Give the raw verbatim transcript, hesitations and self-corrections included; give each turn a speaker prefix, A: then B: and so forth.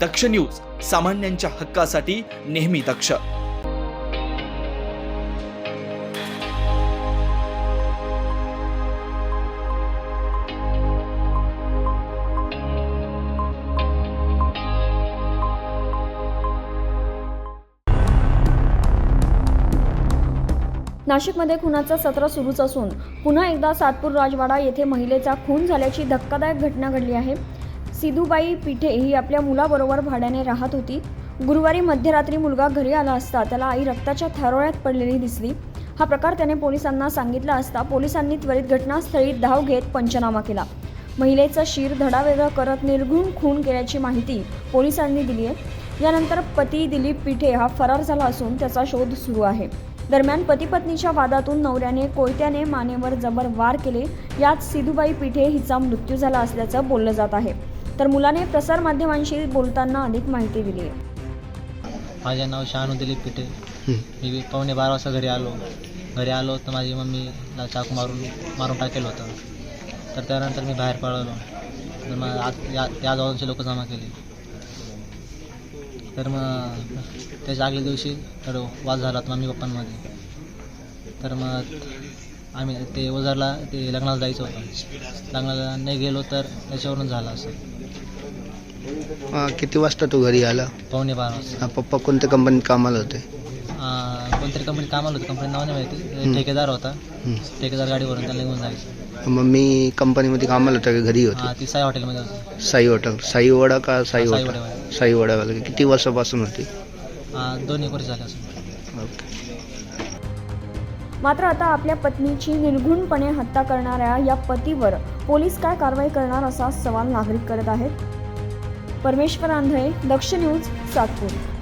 A: दक्ष news, सामान्यांच्या हक्कासाठी नेहमी दक्ष.
B: नाशिकमध्ये खुनाचं सत्र सुरूच असून पुन्हा एकदा सातपूर राजवाडा येथे महिलेचा खून झाल्याची धक्कादायक घटना घडली आहे. सिधूबाई पिठे ही आपल्या मुलाबरोबर भाड्याने राहत होती. गुरुवारी मध्यरात्री मुलगा घरी आला असता त्याला आई रक्ताच्या थारोळ्यात पडलेली दिसली. हा प्रकार त्याने पोलिसांना सांगितला असता पोलिसांनी त्वरित घटनास्थळी धाव घेत पंचनामा केला. महिलेचा शिर धडावेगळं करत निर्घृण खून केल्याची माहिती पोलिसांनी दिली आहे. यानंतर पती दिलीप पिठे हा फरार झाला असून त्याचा शोध सुरू आहे. दरम्यान पती पत्नीच्या वादातून नवऱ्याने कोयत्याने मानेवर जबर वार केले. यात सिधूबाई पिठे हिचा मृत्यू झाला असल्याचं बोललं जात आहे. तर मुलाने प्रसारमाध्यमांशी बोलताना अधिक माहिती दिली आहे.
C: माझे नाव शानू दिलीप पिठे. मी पावणे बारा वाजता घरी आलो घरी आलो तर माझी मम्मीला चाकू मारून मारून टाकेलं होतं. तर त्यानंतर मी बाहेर पळालो. तर मग आज या त्या जवळचे लोक जमा केले. तर मग त्याच्या आगल्या दिवशी तर वाद झाला मम्मी पप्पांमध्ये. तर मग आम्ही ते ओझरला ते लग्नाला जायचं होतं. लग्नाला नाही गेलो तर त्याच्यावरून झालं असं.
D: हा, किती वाजता तू घरी आला?
C: पावणे बारा वाजता.
D: हा, पप्पा कोणत्या कंपनीत कामाला होते?
C: कोणतरी कंपनी कामाला होती. कंपनी नाव नाही माहिती. ठेकेदार होता. ठेकेदार गाडीवरून त्याला घेऊन जायचं.
D: मम्मी कंपनीमध्ये कामाला होता का घरी होती?
C: हां, ती साई हॉटेलमध्ये होती.
D: साई हॉटेल. साई वडा का साई
C: साई
D: हॉटेल?
C: वड्यामध्ये.
D: साई वडावाला. किती वर्षापासून होती?
C: हां, दोन एक वर्ष झाले असं.
D: ओके.
B: मात्र आता आपल्या पत्नीची निर्घृणपणे हत्या करणाऱ्या या पतीवर पोलीस काय कारवाई करणार असा सवाल नागरिक करत आहेत. परमेश्वर आंधळे, दक्ष न्यूज, सातपूर.